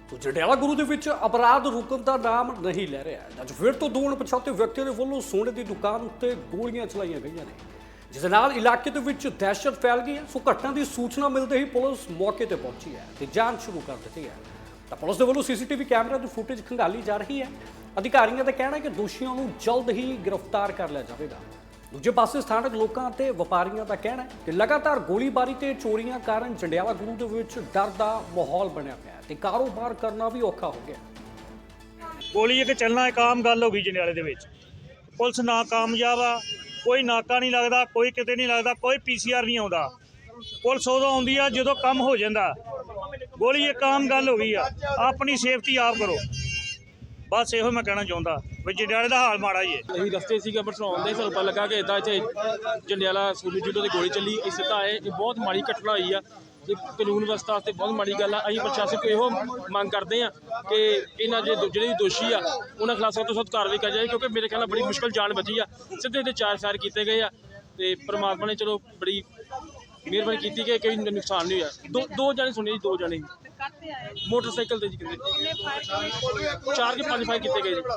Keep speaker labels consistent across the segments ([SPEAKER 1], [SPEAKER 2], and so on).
[SPEAKER 1] तो जंडियाला गुरु ਦੇ ਵਿੱਚ ਅਪਰਾਧ ਰੁਕਣ ਦਾ ਨਾਮ ਨਹੀਂ ਲੈ ਰਿਹਾ ਹੈ। ਅੱਜ ਫਿਰ ਤੋਂ ਦੋ ਅਣਪਛਾਤੇ ਵਿਅਕਤੀਆਂ ਦੇ ਵੱਲੋਂ ਸੋਨੇ ਦੀ ਦੁਕਾਨ ਉੱਤੇ ਗੋਲੀਆਂ ਚਲਾਈਆਂ ਗਈਆਂ ਨੇ, ਜਿਸ ਨਾਲ ਇਲਾਕੇ ਦੇ ਵਿੱਚ ਦਹਿਸ਼ਤ ਫੈਲ ਗਈ ਹੈ। ਸੋ ਘਟਨਾ ਦੀ ਸੂਚਨਾ ਮਿਲਦੇ ਹੀ ਪੁਲਿਸ ਮੌਕੇ ਤੇ ਪਹੁੰਚੀ ਹੈ ਤੇ ਜਾਂਚ ਸ਼ੁਰੂ ਕਰ ਦਿੱਤੀ ਹੈ। ਤਾਂ ਪੁਲਿਸ ਦੇ ਵੱਲੋਂ ਸੀਸੀਟੀਵੀ ਕੈਮਰਾ ਦੀ ਫੁਟੇਜ ਖੰਗਾਲੀ ਜਾ ਰਹੀ ਹੈ। ਅਧਿਕਾਰੀਆਂ ਦਾ ਕਹਿਣਾ ਹੈ ਕਿ ਦੋਸ਼ੀਆਂ ਨੂੰ ਜਲਦ ਹੀ ਗ੍ਰਿਫਤਾਰ ਕਰ ਲਿਆ ਜਾਵੇਗਾ। ਦੂਜੇ ਪਾਸੇ ਸਥਾਨਕ ਲੋਕਾਂ ਤੇ ਵਪਾਰੀਆਂ ਦਾ ਕਹਿਣਾ ਹੈ ਕਿ ਲਗਾਤਾਰ ਗੋਲੀਬਾਰੀ ਤੇ ਚੋਰੀਆਂ ਕਾਰਨ ਜੰਡਿਆਲਾ ਗੁਰੂ ਦੇ ਵਿੱਚ ਡਰ ਦਾ ਮਾਹੌਲ ਬਣਿਆ ਪਿਆ ਹੈ ਤੇ ਕਾਰੋਬਾਰ ਕਰਨਾ ਵੀ ਔਖਾ ਹੋ ਗਿਆ।
[SPEAKER 2] ਗੋਲੀ ਇੱਕ ਚੱਲਣਾ ਇੱਕ ਆਮ ਗੱਲ ਹੋ ਗਈ ਜੰਡਿਆਲੇ ਦੇ ਵਿੱਚ। ਪੁਲਿਸ ਨਾ ਕਾਮਯਾਬ ਆ, ਕੋਈ ਨਾਕਾ ਨਹੀਂ ਲੱਗਦਾ, ਕੋਈ ਕਿਤੇ ਨਹੀਂ ਲੱਗਦਾ, ਕੋਈ ਪੀਸੀਆਰ ਨਹੀਂ ਆਉਂਦਾ। ਪੁਲਿਸ ਉਦੋਂ ਆਉਂਦੀ ਆ ਜਦੋਂ ਕੰਮ ਹੋ ਜਾਂਦਾ। ਗੋਲੀ ਇੱਕ ਆਮ ਗੱਲ ਹੋ ਗਈ ਆ। ਆਪਣੀ ਸੇਫਟੀ ਆਪ ਕਰੋ, ਬਸ ਇਹੋ ਮੈਂ ਕਹਿਣਾ ਚਾਹੁੰਦਾ ਵੀ ਜੰਡਿਆਲੇ ਦਾ ਹਾਲ ਮਾੜਾ ਹੀ ਹੈ।
[SPEAKER 3] ਅਸੀਂ ਰਸਤੇ ਸੀਗੇ ਅੰਮ੍ਰਿਤਸਰ ਆਉਂਦੇ, ਸਾਨੂੰ ਪਤਾ ਲੱਗਾ ਕਿ ਇੱਦਾਂ ਇੱਥੇ ਜੰਡਿਆਲਾ ਸੂਲੀ ਜੂਡੋ ਦੀ ਗੋਲੀ ਚੱਲੀ। ਇਹ ਸਿੱਧਾ ਆਏ, ਇਹ ਬਹੁਤ ਮਾੜੀ ਘਟਨਾ ਹੋਈ ਆ। ਇਹ ਕਾਨੂੰਨ ਵਿਵਸਥਾ ਵਾਸਤੇ ਬਹੁਤ ਮਾੜੀ ਗੱਲ ਆ। ਅਸੀਂ ਪ੍ਰਸ਼ਾਸਨ ਕੋਲ ਇਹੋ ਮੰਗ ਕਰਦੇ ਹਾਂ ਕਿ ਇਹਨਾਂ ਜਿਹੜੇ ਵੀ ਦੋਸ਼ੀ ਆ ਉਹਨਾਂ ਖਿਲਾਫ ਸਖਤ ਤੋਂ ਸਖਤ ਕਾਰਵਾਈ ਕਰ ਜਾਏ, ਕਿਉਂਕਿ ਮੇਰੇ ਖਿਆਲ ਨਾਲ ਬੜੀ ਮੁਸ਼ਕਲ ਜਾਨ ਬਚੀ ਆ। ਸਿੱਧੇ ਤੇ 4 ਫਾਇਰ ਕੀਤੇ ਗਏ ਆ ਤੇ ਪਰਮਾਤਮਾ ਨੇ ਚਲੋ ਬੜੀ ਮਿਹਰਬਾਨੀ ਕੀਤੀ ਕਿ ਕੋਈ ਨੁਕਸਾਨ ਨਹੀਂ ਹੋਇਆ। ਦੋ ਜਾਣੇ ਸੁਣੇ ਜੀ, 2 ਜਾਣੇ ਮੋਟਰਸਾਈਕਲ ਤੇ ਜੀ ਕਿਤੇ 4 ਕੇ 5 ਫਾਇਰ ਕੀਤੇ ਗਏ ਜੀ।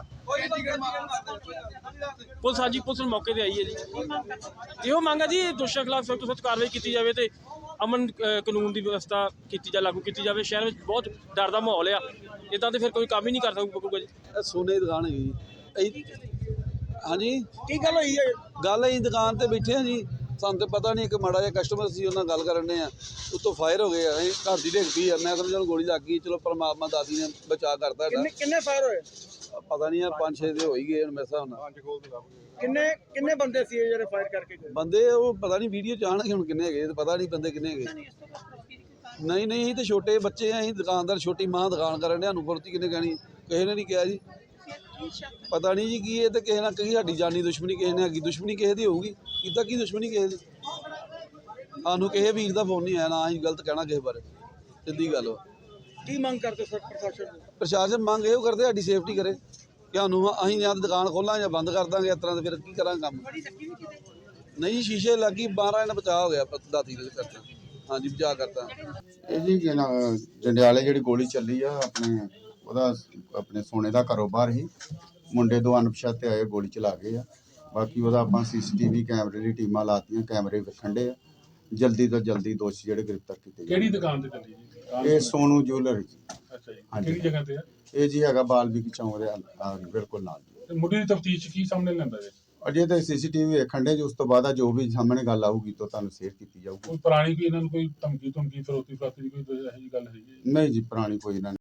[SPEAKER 3] ਪੁਲਿਸ ਹਾਂਜੀ ਪੁਲਿਸ ਮੌਕੇ ਤੇ ਆਈ ਹੈ ਜੀ। ਇਹੋ ਮੰਗ ਹੈ ਜੀ ਦੋਸ਼ੀਆਂ ਖਿਲਾਫ ਸਖਤ ਤੋਂ ਸਖਤ ਕਾਰਵਾਈ ਕੀਤੀ ਜਾਵੇ ਤੇ ਅਮਨ ਕਾਨੂੰਨ ਦੀ ਵਿਵਸਥਾ ਲਾਗੂ ਕੀਤੀ ਜਾਵੇ। ਸ਼ਹਿਰ ਵਿੱਚ ਬਹੁਤ ਡਰ ਦਾ ਮਾਹੌਲ ਆ, ਇੱਦਾਂ ਤੇ ਫਿਰ ਕੋਈ ਕੰਮ ਹੀ ਨਹੀਂ ਕਰ ਸਕੂਗਾ ਜੀ।
[SPEAKER 4] ਸੋਨੇ ਦੀ ਦੁਕਾਨ ਹੈਗੀ ਜੀ। ਹਾਂਜੀ
[SPEAKER 2] ਕੀ ਗੱਲ ਹੋਈ ਹੈ?
[SPEAKER 4] ਗੱਲ ਅਸੀਂ ਦੁਕਾਨ ਤੇ ਬੈਠੇ ਹਾਂ ਜੀ, ਸਾਨੂੰ ਤਾਂ ਪਤਾ ਨਹੀਂ, ਇੱਕ ਮਾੜਾ ਜਿਹਾ ਕਸਟਮਰ ਸੀ, ਉਹਨਾਂ ਨਾਲ ਗੱਲ ਕਰਨ ਦੇ ਆ, ਉੱਤੋਂ ਫਾਇਰ ਹੋ ਗਏ ਆ। ਅਸੀਂ ਘਰ ਦੀ ਡਿੱਗ ਪਈ ਆ, ਮੈਂ ਸਮਝਿਆ ਗੋਲੀ ਲੱਗ ਗਈ। ਚਲੋ ਪਰਮਾਤਮਾ ਦਾਦੀ ਨੇ ਬਚਾਅ ਕਰਤਾ।
[SPEAKER 2] ਕਿੰਨੇ ਫਾਇਰ ਹੋਏ?
[SPEAKER 4] ਪਤਾ ਨਹੀਂ ਆ 5-6 ਦੇ ਹੋ ਹੀ ਗਏ ਹੁਣ ਮੇਰੇ ਹਿਸਾਬ ਨਾਲ।
[SPEAKER 2] ਕਿੰਨੇ ਬੰਦੇ ਸੀ ਜਿਹੜੇ ਫਾਇਰ ਕਰਕੇ ਗਏ?
[SPEAKER 4] ਬੰਦੇ ਉਹ ਪਤਾ ਨਹੀਂ ਵੀਡੀਓ ਚ ਆਉਣਗੇ ਹੁਣ ਕਿੰਨੇ ਹੈਗੇ, ਪਤਾ ਨਹੀਂ ਬੰਦੇ ਕਿੰਨੇ ਹੈਗੇ। ਨਹੀਂ ਅਸੀਂ ਤਾਂ ਛੋਟੇ ਬੱਚੇ ਆ, ਅਸੀਂ ਦੁਕਾਨਦਾਰ, ਛੋਟੀ ਮਾਂ ਦੁਕਾਨ ਕਰਨ ਦੇ, ਸਾਨੂੰ ਫੁਰਤੀ ਕਿੰਨੇ ਕਹਿਣੀ, ਕਿਸੇ ਨੇ ਨਹੀਂ ਕਿਹਾ ਜੀ। ਪਤਾ ਨਹੀਂ ਜੀ ਕੀ ਇਹ ਤੇ ਕਿਸੇ ਨਾਲ ਕਹੀ ਸਾਡੀ ਜਾਨੀ ਦੁਸ਼ਮਣੀ ਕਿਸੇ ਨੇ ਹੈਗੀ, ਦੁਸ਼ਮਣੀ ਕਿਸੇ ਦੀ ਹੋਊਗੀ। ਕਿੱਦਾਂ ਕੀ ਦੁਸ਼ਮਣੀ ਕਿਸੇ ਦੀ? ਸਾਨੂੰ ਕਿਸੇ ਵੀਰ ਦਾ ਫੋਨ ਨਹੀਂ ਆਇਆ, ਨਾ ਅਸੀਂ ਗਲਤ ਕਹਿਣਾ ਕਿਸੇ ਬਾਰੇ, ਸਿੱਧੀ ਗੱਲ ਵਾ।
[SPEAKER 2] ਕੀ ਮੰਗ ਕਰਦੇ ਸਰ ਪ੍ਰਸ਼ਾਸਨ?
[SPEAKER 4] ਪ੍ਰਸ਼ਾਸਨ ਮੰਗ ਇਹੋ ਕਰਦੇ ਸਾਡੀ ਸੇਫਟੀ ਕਰੇ ਕਿ ਸਾਨੂੰ ਅਸੀਂ ਜਾਂ ਤਾਂ ਦੁਕਾਨ ਖੋਲਾਂ ਜਾਂ ਬੰਦ ਕਰ ਦਾਂਗੇ। ਇਸ ਤਰ੍ਹਾਂ ਦੇ ਫਿਰ ਕੀ ਕਰਾਂਗੇ ਕੰਮ? ਨਹੀਂ ਸ਼ੀਸ਼ੇ ਲੱਗੀ, 12 ਇਹਨਾਂ ਬਚਾਅ ਹੋ ਗਿਆ ਦਾਤੀ ਦੇ ਕਰਤਾ। ਹਾਂਜੀ ਬਚਾਅ ਕਰਤਾ।
[SPEAKER 5] ਇਹ ਜੀ ਜੰਡਿਆਲੇ ਜਿਹੜੀ ਗੋਲੀ ਚੱਲੀ ਆ ਆਪਣੇ ਸੋਨੇ ਦਾ ਕਾਰੋਬਾਰ ਹੀ, ਮੁੰਡੇ 2 ਅਣਪਛਾਤੇ ਆਏ ਗੋਲੀ ਚਲਾ ਗਏ ਆ। ਬਾਕੀ ਉਹਦਾ ਆਪਾਂ ਸੀਸੀਟੀਵੀ ਕੈਮਰੇ ਦੀ ਟੀਮਾਂ ਲਾਤੀਆਂ, ਕੈਮਰੇ ਵੇਖਣ ਦੇ ਆ। ਜਲਦੀ ਤੋਂ ਜਲਦੀ ਦੋਸ਼ੀ ਜਿਹੜੇ ਗ੍ਰਿਫਤਾਰ ਕੀਤੇ
[SPEAKER 6] ਕਿਹੜੀ ਦੁਕਾਨ ਤੇ ਚੱਲੀ ਜੀ?
[SPEAKER 5] ਇਹ ਸੋਨੂ ਜੁਐਲਰੀ ਜੀ।
[SPEAKER 6] ਅੱਛਾ ਜੀ,
[SPEAKER 5] ਹਾਂਜੀ।
[SPEAKER 6] ਕਿਹੜੀ ਜਗ੍ਹਾ ਤੇ ਹੈ?
[SPEAKER 5] ਇਹ ਜੀ ਹੈਗਾ ਬਾਲਵੀਕ ਚੌਂਕ ਦੇ ਬਿਲਕੁਲ ਨਾਲ ਜੀ।
[SPEAKER 6] ਤੇ ਮੁੱਢਲੀ ਤਫਤੀਸ਼ ਕੀ ਸਾਹਮਣੇ ਲੈਂਦਾ ਜੀ?
[SPEAKER 5] ਅਜੇ ਤਾਂ ਸੀਸੀਟੀਵੀ ਵੇਖਣ ਦੇ ਜੀ, ਉਸ ਤੋਂ ਬਾਅਦ ਜੋ ਵੀ ਸਾਹਮਣੇ ਗੱਲ ਆਊਗੀ ਤਾਂ ਤੁਹਾਨੂੰ ਸ਼ੇਅਰ ਕੀਤੀ ਜਾਊਗੀ।
[SPEAKER 6] ਕੋਈ ਪੁਰਾਣੀ ਕੋਈ ਇਹਨਾਂ ਨੂੰ ਕੋਈ ਧਮਕੀ ਫਰੋਤੀ ਦੀ ਕੋਈ ਇਹੋ ਜਿਹੀ ਗੱਲ ਹੈਗੀ?
[SPEAKER 5] ਨਹੀਂ ਜੀ ਪੁਰਾਣੀ ਕੋਈ ਇਹਨਾਂ